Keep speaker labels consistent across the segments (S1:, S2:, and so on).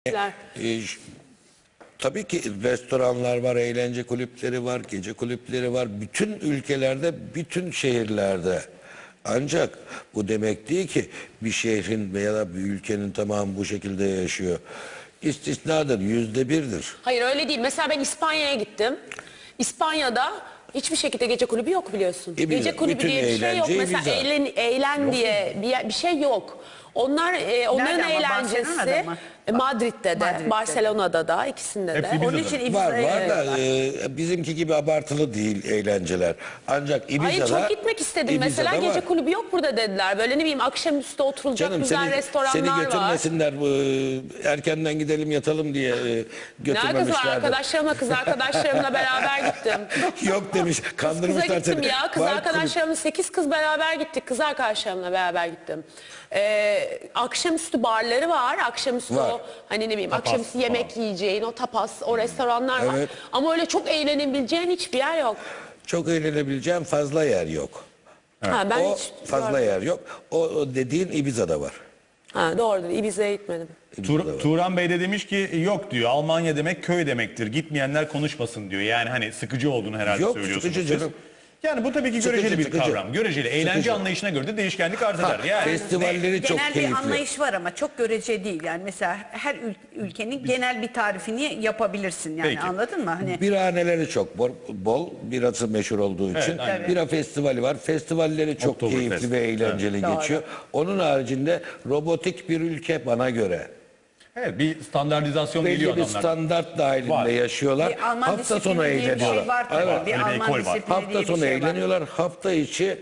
S1: E, ş- tabii ki restoranlar var, eğlence kulüpleri var, gece kulüpleri var. Bütün ülkelerde, bütün şehirlerde. Ancak bu demek değil ki bir şehrin veya da bir ülkenin tamamı bu şekilde yaşıyor. İstisnadır, %1'dir.
S2: Hayır öyle değil. Mesela ben İspanya'ya gittim. İspanya'da hiçbir şekilde gece kulübü yok biliyorsun.
S1: Ibiza,
S2: Gece kulübü
S1: bütün
S2: diye bir şey yok.
S1: eğlence
S2: Mesela
S1: Ibiza.
S2: eğlen diye bir şey yok. Onların
S3: Nerede ama?
S2: eğlencesi
S3: Barcelona'da mı?
S2: Madrid'de de,
S3: Madrid'de.
S2: Barcelona'da da, ikisinde
S4: Hepsi
S2: de.
S4: Ibiza'da.
S3: Onun için
S1: Var
S3: Ibiza'ya
S1: da bizimki gibi abartılı değil eğlenceler. Ancak Ibiza'da...
S2: Hayır çok gitmek istedim. Mesela
S1: Ibiza'da
S2: gece
S1: var.
S2: kulübü yok burada dediler. Böyle ne bileyim akşamüstü oturulacak
S1: Canım
S2: güzel
S1: seni
S2: restoranlar var.
S1: götürmesinler, erkenden gidelim yatalım diye
S2: Ne alakası var?
S1: götürmemişlerdi.
S2: Kız arkadaşlarımla beraber gittim.
S1: Yok demiş,
S2: Kıza
S1: kandırmışlar
S2: gittim
S1: seni.
S2: ya. Kız
S1: Var
S2: arkadaşlarımla 8 kız beraber gittik. Kız arkadaşlarımla beraber gittim. Akşamüstü barları var. Akşamüstü
S1: Var.
S2: o hani ne bileyim
S4: Tapas
S2: akşamüstü yemek
S4: falan.
S2: yiyeceğin o tapas o restoranlar var.
S1: Evet.
S2: Ama öyle çok eğlenebileceğin hiçbir yer yok.
S1: Çok eğlenebileceğim fazla yer yok.
S2: Ha, ben
S1: O
S2: hiç
S1: fazla
S2: görmedim.
S1: yer yok. O dediğin Ibiza'da var.
S2: Ha, doğrudur. Ibiza'ya gitmedim.
S1: Ibiza'da var.
S4: Turan Bey de demiş ki yok diyor, Almanya demek köy demektir, gitmeyenler konuşmasın diyor. Yani hani sıkıcı olduğunu herhalde
S1: Yok,
S4: söylüyorsunuz
S1: sıkıcı
S4: siz.
S1: canım.
S4: Yani bu tabii ki
S1: Sıkıcı,
S4: göreceli bir
S1: sıkıcı.
S4: kavram. Göreceli. Eğlence
S1: Sıkıcı.
S4: anlayışına göre de değişkenlik arz eder. Yani
S1: Festivalleri çok
S3: genel
S1: keyifli.
S3: bir anlayış var ama çok görece değil. Yani mesela her ülkenin genel bir tarifini yapabilirsin yani,
S4: Peki.
S3: anladın mı? Hani
S1: Birahaneleri çok bol. Birası meşhur olduğu için.
S4: aynen.
S1: Bira festivali var. Festivalleri çok
S4: Oktoberfest.
S1: keyifli ve eğlenceli
S3: Evet.
S1: geçiyor. Onun haricinde robotik bir ülke bana göre.
S4: evet, bir standartizasyon
S1: Belli
S4: geliyor
S1: bir
S4: adamlar.
S1: standart dahilinde
S4: Var.
S1: yaşıyorlar.
S3: bir Alman
S1: Hafta sonu
S3: disiplini diye bir
S1: eğleniyorlar.
S3: şey var tabii.
S1: Evet.
S3: Bir
S4: Öyle bir
S3: Alman
S4: ekol var.
S3: disiplini
S1: Hafta
S3: diye bir
S1: sonu
S3: şey var.
S1: eğleniyorlar. Hafta içi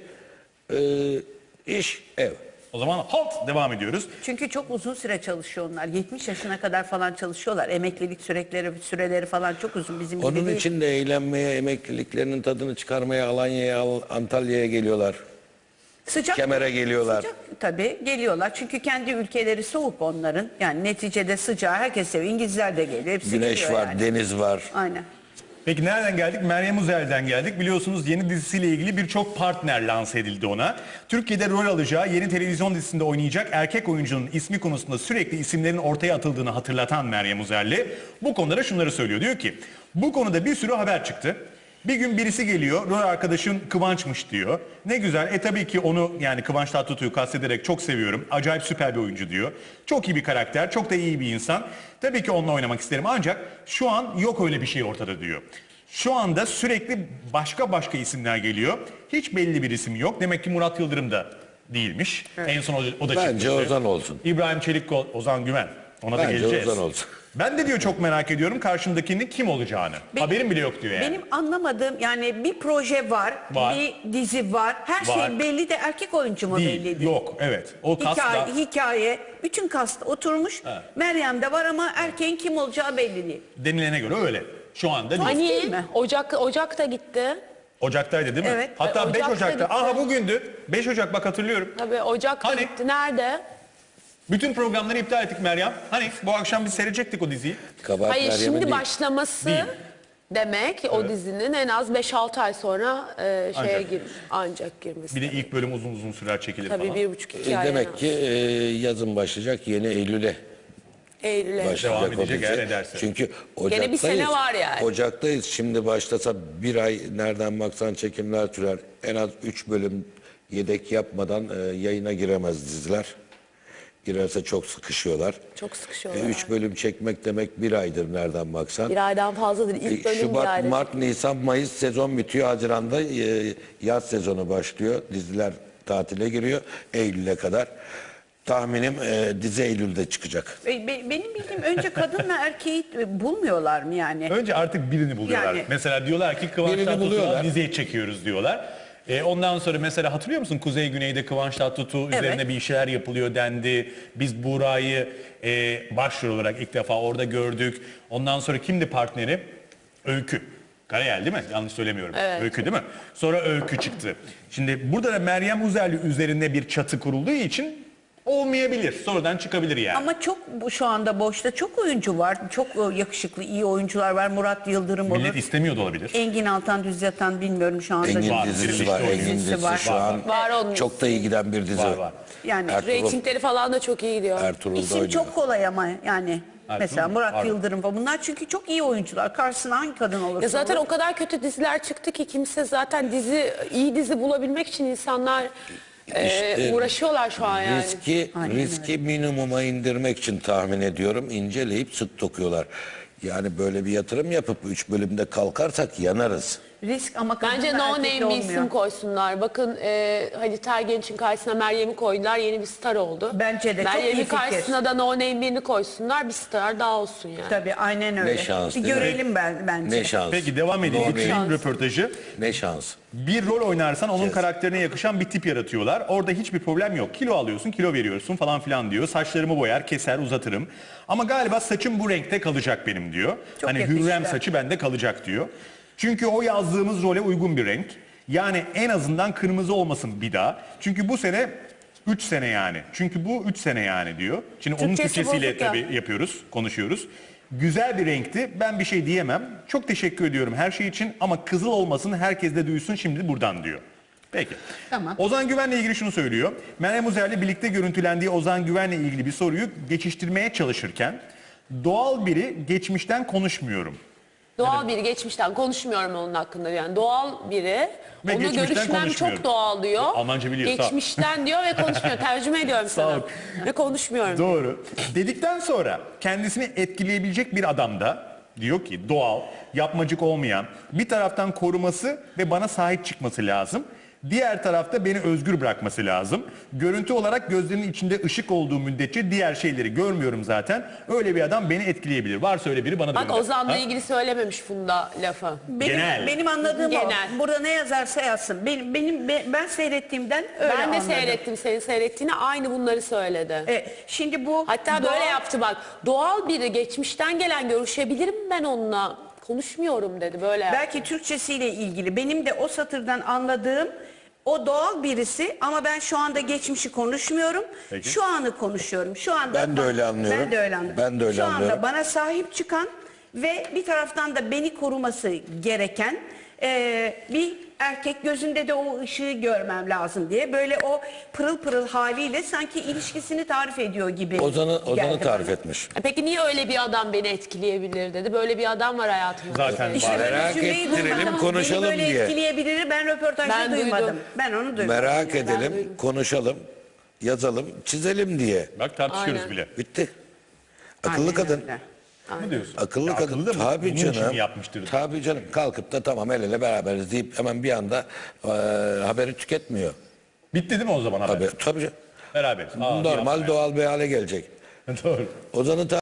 S1: iş, ev.
S4: O zaman halt devam ediyoruz.
S3: Çünkü çok uzun süre çalışıyor onlar. 70 yaşına kadar falan çalışıyorlar. Emeklilik süreleri falan çok uzun, bizim gibi
S1: Onun
S3: değil.
S1: için de eğlenmeye, emekliliklerinin tadını çıkarmaya Alanya'ya, Antalya'ya geliyorlar.
S3: Sıcak,
S1: Kemer'e geliyorlar.
S3: Sıcak tabii geliyorlar. Çünkü kendi ülkeleri soğuk onların. Yani neticede sıcağı herkes seviyor. İngilizler de geliyor. Hepsi
S1: Güneş
S3: geliyor
S1: var,
S3: yani.
S1: deniz var.
S3: Aynen.
S4: Peki nereden geldik? Meryem Uzer'den geldik. Biliyorsunuz yeni dizisiyle ilgili birçok partner lanse edildi ona. Türkiye'de rol alacağı yeni televizyon dizisinde oynayacak erkek oyuncunun ismi konusunda sürekli isimlerin ortaya atıldığını hatırlatan Meryem Uzerli bu konuda şunları söylüyor. Diyor ki bu konuda bir sürü haber çıktı. Bir gün birisi geliyor, rol arkadaşın Kıvanç'mış diyor. Ne güzel, tabii ki onu yani Kıvanç Tatlıtuğ'u kastederek çok seviyorum. Acayip süper bir oyuncu diyor. Çok iyi bir karakter, çok da iyi bir insan. Tabii ki onunla oynamak isterim ancak şu an yok öyle bir şey ortada diyor. Şu anda sürekli başka isimler geliyor. Hiç belli bir isim yok. Demek ki Murat Yıldırım da değilmiş. Evet. En son o da
S1: Bence
S4: çıkmıştı.
S1: Ozan olsun.
S4: İbrahim Çelik, Ozan Güven. Ona da
S1: Bence
S4: geleceğiz.
S1: Ozan olsun.
S4: Ben de diyor çok merak ediyorum karşımdakinin kim olacağını. Haberim bile yok diyor yani.
S3: Benim anlamadığım yani bir proje var,
S4: Var.
S3: bir dizi var. Her
S4: Var.
S3: şey belli de erkek oyuncu mu
S4: Değil,
S3: belli değil?
S4: yok, evet. O kasta
S3: Hikaye, bütün kast oturmuş.
S4: Evet.
S3: Meryem de var ama erkeğin kim olacağı belli değil.
S4: denilene göre öyle. Şu anda değil.
S3: Değil
S2: Hani
S3: mi?
S2: Ocak'ta gitti.
S4: Ocak'taydı değil mi?
S3: Evet.
S4: Hatta 5
S2: Ocak'ta
S4: Ocak'ta.
S2: gitti.
S4: Aha bugündü. 5 Ocak bak hatırlıyorum.
S2: Tabii Ocak'ta
S4: Hani?
S2: gitti. Nerede?
S4: Bütün programları iptal ettik Meryem. Hani bu akşam biz seyredecektik o diziyi.
S1: Kabahat
S2: Hayır
S1: Meryem'in
S2: şimdi
S1: değil.
S2: başlaması
S4: Değil.
S2: demek o dizinin en az 5-6 ay sonra ancak girmesi.
S4: Bir de ilk bölüm uzun sürer çekilir
S2: Tabii
S4: falan.
S2: 1,5-2 ay.
S1: Demek ki yazın başlayacak, yeni Eylül'e
S2: Eylül'e.
S1: başlayacak
S4: Devam
S1: o
S4: edecek
S1: dizi.
S4: eğer ederse.
S1: Çünkü Ocak'tayız.
S2: bir sene var yani.
S1: Ocak'tayız. Şimdi başlasa bir ay nereden baksan çekimler sürer. En az 3 bölüm yedek yapmadan yayına giremez diziler. Girerse çok sıkışıyorlar.
S2: Çok sıkışıyorlar.
S1: 3 bölüm çekmek demek bir aydır nereden baksan.
S2: Bir aydan fazladır. İlk bölüm bir
S1: Şubat,
S2: ayda.
S1: Mart, Nisan, Mayıs sezon bitiyor. Haziran'da yaz sezonu başlıyor. Diziler tatile giriyor. Eylül'e kadar. Tahminim dizi Eylül'de çıkacak.
S3: Benim bildiğim önce kadınla erkeği bulmuyorlar mı yani?
S4: Önce artık birini buluyorlar.
S3: Yani-
S4: Mesela diyorlar ki Kıvanç
S1: Birini
S4: Tatlıtuğ'u
S1: buluyorlar.
S4: diziye çekiyoruz diyorlar. Ondan sonra mesela hatırlıyor musun Kuzey Güney'de Kıvanç Tatlıtuğ üzerine bir şeyler yapılıyor dendi. Biz Buğra'yı başrol olarak ilk defa orada gördük. Ondan sonra kimdi partneri? Öykü. Karayel değil mi? Yanlış söylemiyorum.
S2: Evet.
S4: Öykü değil mi? Sonra Öykü çıktı. Şimdi burada da Meryem Uzerli üzerinde bir çatı kurulduğu için olmayabilir. Sonradan çıkabilir yani.
S3: Ama çok şu anda boşta çok oyuncu var. Çok yakışıklı, iyi oyuncular var. Murat Yıldırım olur.
S4: Millet istemiyor da olabilir.
S3: Engin Altan Düz Yatan bilmiyorum şu anda.
S1: Engin
S4: Var,
S1: dizisi
S4: dizisi
S1: var.
S4: var.
S1: Engin dizisi
S3: Var.
S1: şu an
S2: Var onun.
S1: çok da iyi giden bir dizi.
S4: Var.
S3: Yani
S1: Ertuğrul,
S2: Reytingleri falan da çok iyi gidiyor.
S1: Ertuğrul'da
S3: İsim
S1: oynuyor.
S3: çok kolay ama yani Mesela Murat
S4: Pardon.
S3: Yıldırım falan. Bunlar çünkü çok iyi oyuncular. Karşısına hangi kadın olursa
S2: Ya zaten
S3: olur.
S2: o kadar kötü diziler çıktı ki kimse zaten iyi dizi bulabilmek için insanlar uğraşıyorlar şu an yani.
S1: Riski minimuma indirmek için tahmin ediyorum inceleyip sık dokuyorlar. Yani böyle bir yatırım yapıp 3 bölümde kalkarsak yanarız.
S3: Risk ama kadın
S2: Bence
S3: da
S2: no
S3: erkek
S2: name
S3: de
S2: bir
S3: olmuyor.
S2: isim koysunlar. Bakın Halit Ergenç'in karşısına Meryem'i koydular. Yeni bir star oldu.
S3: Bence de çok iyi
S2: Meryem'in
S3: fikir.
S2: karşısına da no name birini koysunlar. Bir star daha olsun yani.
S3: Tabii aynen öyle.
S1: şans,
S3: Bir
S1: değil mi?
S3: görelim bence.
S1: Ne şans.
S4: Peki devam edelim.
S1: Doğru.
S4: Bitireyim röportajı.
S1: Ne şans.
S4: Bir rol oynarsan onun karakterine yakışan bir tip yaratıyorlar. Orada hiçbir problem yok. Kilo alıyorsun, kilo veriyorsun falan filan diyor. Saçlarımı boyar, keser, uzatırım. Ama galiba saçım bu renkte kalacak benim diyor.
S3: Çok
S4: hani
S3: yakıştı.
S4: Hürrem saçı bende kalacak diyor. Çünkü o yazdığımız role uygun bir renk. Yani en azından kırmızı olmasın bir daha. Çünkü bu sene 3 sene yani. Çünkü bu 3 sene yani diyor. Şimdi onun
S2: Türkçesi
S4: Türkçesiyle
S2: bozuk ya.
S4: tabii yapıyoruz, konuşuyoruz. Güzel bir renkti. Ben bir şey diyemem. Çok teşekkür ediyorum her şey için ama kızıl olmasın, herkes de duysun şimdi buradan diyor. Peki.
S3: Tamam.
S4: Ozan Güven'le ilgili şunu söylüyor. Meryem Uzer'le birlikte görüntülendiği Ozan Güven'le ilgili bir soruyu geçiştirmeye çalışırken doğal biri geçmişten konuşmuyorum.
S2: Doğal biri geçmişten konuşmuyorum onun hakkında yani doğal biri
S4: Ve
S2: onu
S4: geçmişten
S2: görüşmem
S4: konuşmuyorum.
S2: çok doğal diyor.
S4: Almanca biliyor, sağ ol.
S2: Geçmişten diyor ve konuşmuyor. Tercüme ediyorum
S4: Sağ
S2: sana.
S4: ol.
S2: Ve konuşmuyorum.
S4: Doğru. Dedikten sonra kendisini etkileyebilecek bir adam da diyor ki doğal, yapmacık olmayan, bir taraftan koruması ve bana sahip çıkması lazım. Diğer tarafta beni özgür bırakması lazım. Görüntü olarak gözlerinin içinde ışık olduğu müddetçe diğer şeyleri görmüyorum zaten. Öyle bir adam beni etkileyebilir. Varsa öyle biri bana da
S2: Bak
S4: gönder.
S2: Ozan'la
S4: Ha?
S2: ilgili söylememiş Funda lafı.
S3: Benim anladığım
S2: Genel.
S3: o. Burada ne yazarsa yazsın. Ben seyrettiğimden öyle
S2: Ben de
S3: anladım.
S2: seyrettim senin seyrettiğini aynı bunları söyledi.
S3: Şimdi bu
S2: Hatta böyle yaptı bak. Doğal biri geçmişten gelen görüşebilirim ben onunla. Konuşmuyorum dedi böyle.
S3: belki Türkçesiyle ilgili. Benim de o satırdan anladığım o doğal birisi ama ben şu anda geçmişi konuşmuyorum.
S4: Peki.
S3: Şu anı konuşuyorum. Şu anda
S1: Ben de öyle anlıyorum.
S3: Ben de öyle anlıyorum.
S1: Ben de öyle
S3: şu anda
S1: anlıyorum.
S3: bana sahip çıkan ve bir taraftan da beni koruması gereken bir erkek, gözünde de o ışığı görmem lazım diye böyle o pırıl pırıl haliyle sanki ilişkisini tarif ediyor gibi.
S1: Ozan'ı
S3: geldi
S1: tarif
S3: bana.
S1: etmiş.
S2: Peki niye öyle bir adam beni etkileyebilir dedi. Böyle bir adam var hayatımda.
S4: Zaten
S3: İşte
S4: var.
S3: böyle
S1: Merak
S3: cümleyi
S1: ettirelim,
S3: duymadım.
S1: konuşalım
S3: Beni böyle
S1: diye.
S3: etkileyebilir. Ben röportajda
S2: Ben duydum.
S3: duymadım. Ben onu duymadım.
S1: Merak
S3: yani.
S1: edelim, konuşalım, yazalım, çizelim diye.
S4: Bak tartışıyoruz
S2: Aynen.
S4: bile.
S1: Bitti. Akıllı
S3: Aynen
S1: kadın.
S3: öyle.
S4: Ne diyorsun?
S1: Akıllı
S4: Ya
S1: kadın.
S4: akıllı da mı?
S1: Tabii
S4: Bunun için
S1: canım.
S4: mi yapmıştır?
S1: Tabii canım. Kalkıp da tamam el ele beraberiz deyip hemen bir anda haberi tüketmiyor.
S4: Bitti değil mi o zaman haber?
S1: Tabii canım.
S4: Beraberiz. Aa,
S1: Normal
S4: yapma
S1: doğal bir hale gelecek.
S4: ya. Doğru.
S1: Ozan'ı